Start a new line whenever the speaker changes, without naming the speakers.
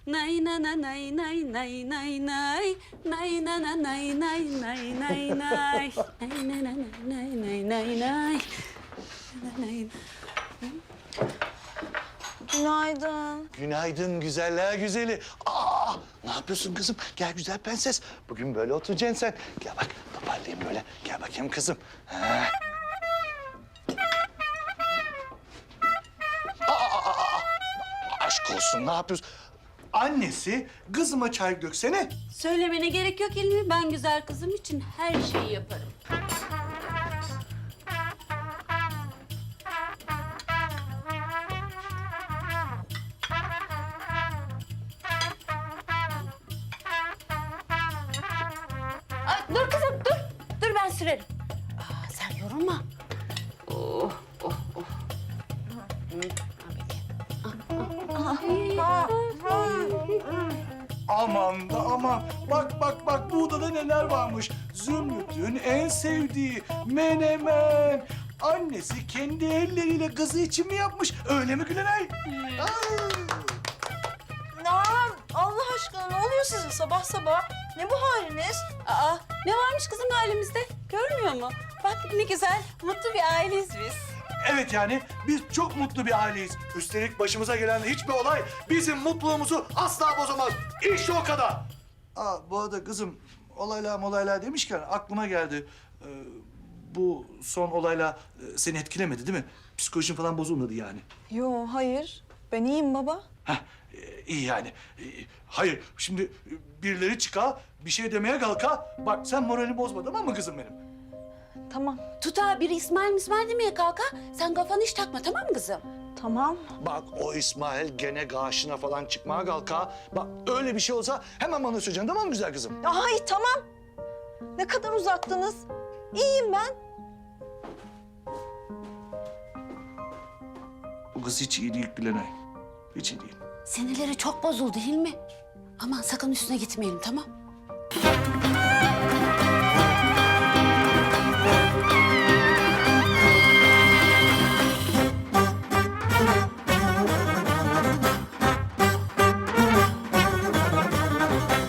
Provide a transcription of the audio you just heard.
Nay na na nay nay nay nay nay. Nay na na nay nay nay nay nay. Nay na na nay nay nay nay. Nay.
Günaydın.
Günaydın güzeller güzeli. Aa, ne yapıyorsun kızım? Gel güzel prenses. Bugün böyle oturacaksın sen. Gel bak toparlayayım böyle. Gel bakayım kızım. Ha. Aşk olsun ne yapıyorsun? Annesi kızıma çay döksene.
Söylemene gerek yok Hilmi. Ben güzel kızım için her şeyi yaparım. Ay, dur kızım, dur. Dur ben sürerim. Sen yorulma. Oh, oh, oh.
Aman da aman. Bak bak bak bu odada neler varmış. Zümrüt'ün en sevdiği menemen. Annesi kendi elleriyle kızı için mi yapmış? Öyle mi Gülenay?
Allah aşkına ne oluyor size sabah sabah? Ne bu haliniz?
Aa, ne varmış kızım halimizde? Görmüyor mu? Bak ne güzel, mutlu bir aileyiz biz.
Evet yani biz çok mutlu bir aileyiz. Üstelik başımıza gelen hiçbir olay bizim mutluluğumuzu asla bozamaz. İşte o kadar. Aa, bu arada kızım olaylar demişken aklıma geldi. Bu son olayla seni etkilemedi değil mi? Psikolojin falan bozulmadı yani.
Yo hayır. Ben iyiyim baba.
Heh, iyi yani. Hayır, şimdi birileri çıkar, bir şey demeye kalka. Bak sen moralini bozma tamam mı kızım benim?
Tamam.
Tuta biri İsmail demeye kalka. Sen kafanı hiç takma tamam mı kızım?
Tamam.
Bak o İsmail gene karşına falan çıkmaya kalka. Bak öyle bir şey olsa hemen bana söyleyeceksin tamam mı güzel kızım?
Ay tamam. Ne kadar uzaktınız. İyiyim ben.
Bu kız hiç iyi değil Gülenay. Hiç iyi değil.
Sinirleri çok bozuldu Hilmi. Aman sakın üstüne gitmeyelim tamam?